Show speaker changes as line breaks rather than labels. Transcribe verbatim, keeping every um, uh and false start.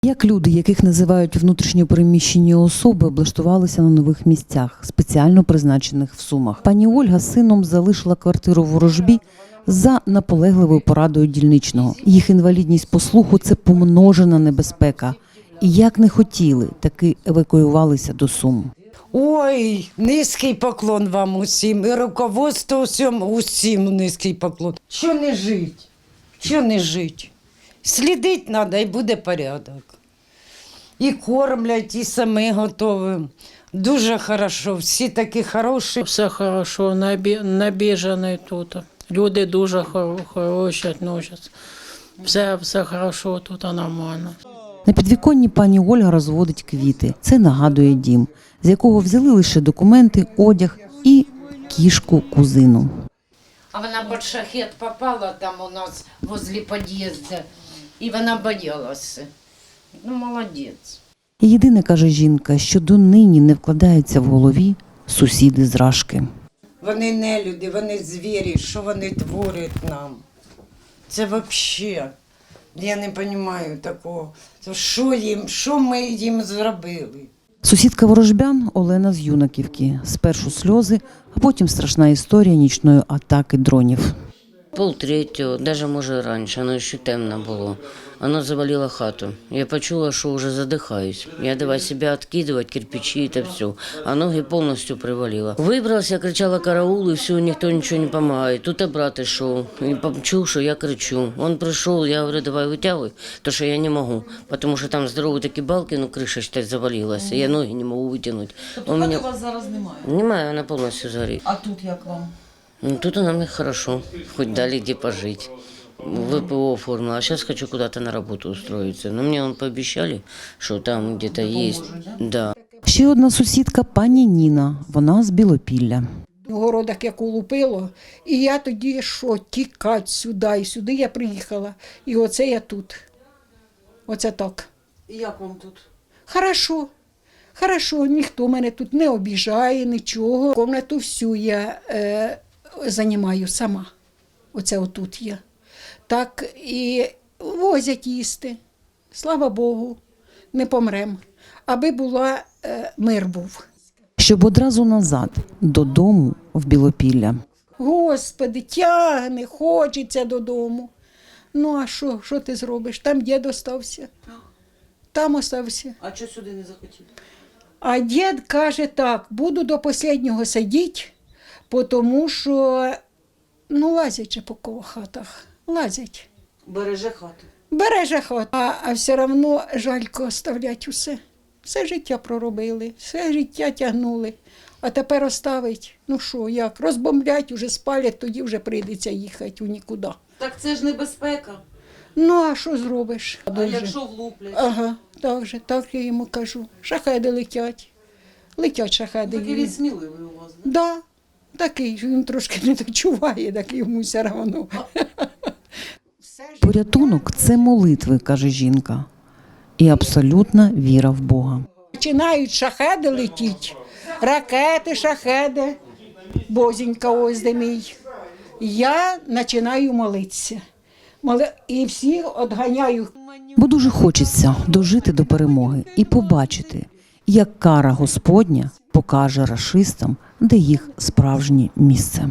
Як люди, яких називають внутрішньо переміщені особи, облаштувалися на нових місцях, спеціально призначених в Сумах? Пані Ольга з сином залишила квартиру в Ворожбі за наполегливою порадою дільничного. Їх інвалідність по слуху – це помножена небезпека. І як не хотіли, таки евакуювалися до Сум.
Ой, низький поклон вам усім, і руководству усім, усім низький поклон. Що не жить, що не жить. Слідити треба і буде порядок. І кормлять, і самі готові. Дуже хорошо, всі такі хороші.
Все хорошо, набіжаний тут. Люди дуже хороші відносяться. Все, все хорошо, тут нормально.
На підвіконні пані Ольга розводить квіти. Це нагадує дім, з якого взяли лише документи, одяг і кішку-кузину.
А вона під шахет попала там у нас возле під'їзду, і вона боялася. Ну, молодець.
І єдине, каже жінка, що донині не вкладається в голові сусіди з Рашки.
Вони не люди, вони звірі, що вони творять нам. Це взагалі, я не розумію такого. Що їм, що ми їм зробили?
Сусідка ворожбян Олена з Юнаківки. Спершу сльози, а потім страшна історія нічної атаки дронів.
Пол третього, навіть може раніше, воно ще темно було. Воно завалило хату. Я почула, що вже задихаюсь. Я давай себе відкидувати, кирпичі та все. А ноги повністю привалило. Вибралася, кричала караул, і все, ніхто нічого не допомагає. Тут і брат йшов, і почув, що я кричу. Він прийшов, я говорю, давай витягуй, тому що я не можу. Тому що там здорові такі балки, ну криша ще завалилася, я ноги не можу витягнути.
Тобто хати у вас зараз немає?
Немає, вона повністю згорить.
А тут як вам?
Ну, тут нам хорошо, хоть дали где пожить. ВПО оформила, а сейчас хочу куда-то на работу устроиться. Но мне он пообещали, что там где-то есть. Да.
Ще одна сусідка пані Ніна, вона з Білопілля.
В городах як улупило, і я тоді що, тікать сюди, і сюди я приїхала. І оце я тут. Оце так.
І як вам тут?
Хорошо. Хорошо, ніхто мене тут не обіжає, нічого. Комнату всю я е, займаю сама. Оце отут я. Так і возять їсти. Слава Богу, не помрем. Аби була, е, мир був.
Щоб одразу назад, додому в Білопілля.
Господи, тягне, хочеться додому. Ну а що, що ти зробиш? Там дід остався. Там остався.
А чого сюди не захотіли?
А дід каже так, буду до останнього сидіти, тому що, ну, лазять же по кого хатах, лазять.
Береже хату.
Береже хату, а, а все одно жалько оставлять усе. Все життя проробили, все життя тягнули. А тепер оставить, ну що, як, розбомблять, уже спалять, тоді вже прийдеться їхати у нікуди.
Так це ж небезпека.
Ну, а що зробиш?
А
Дуже.
якщо влуплять?
Ага, так же, так я йому кажу. Шахеди летять. Летять шахеди.
Такий він сміливий у вас, да?
Да, такий, він трошки не дочуває, так йому все одно.
Порятунок – це молитви, каже жінка. І абсолютна віра в Бога.
Починають шахеди летіти, ракети, шахеди, бозінька ось де мій. Я починаю молитися. Моли- І всіх відганяю.
Бо дуже хочеться дожити до перемоги і побачити, як кара Господня покаже рашистам, де їх справжнє місце.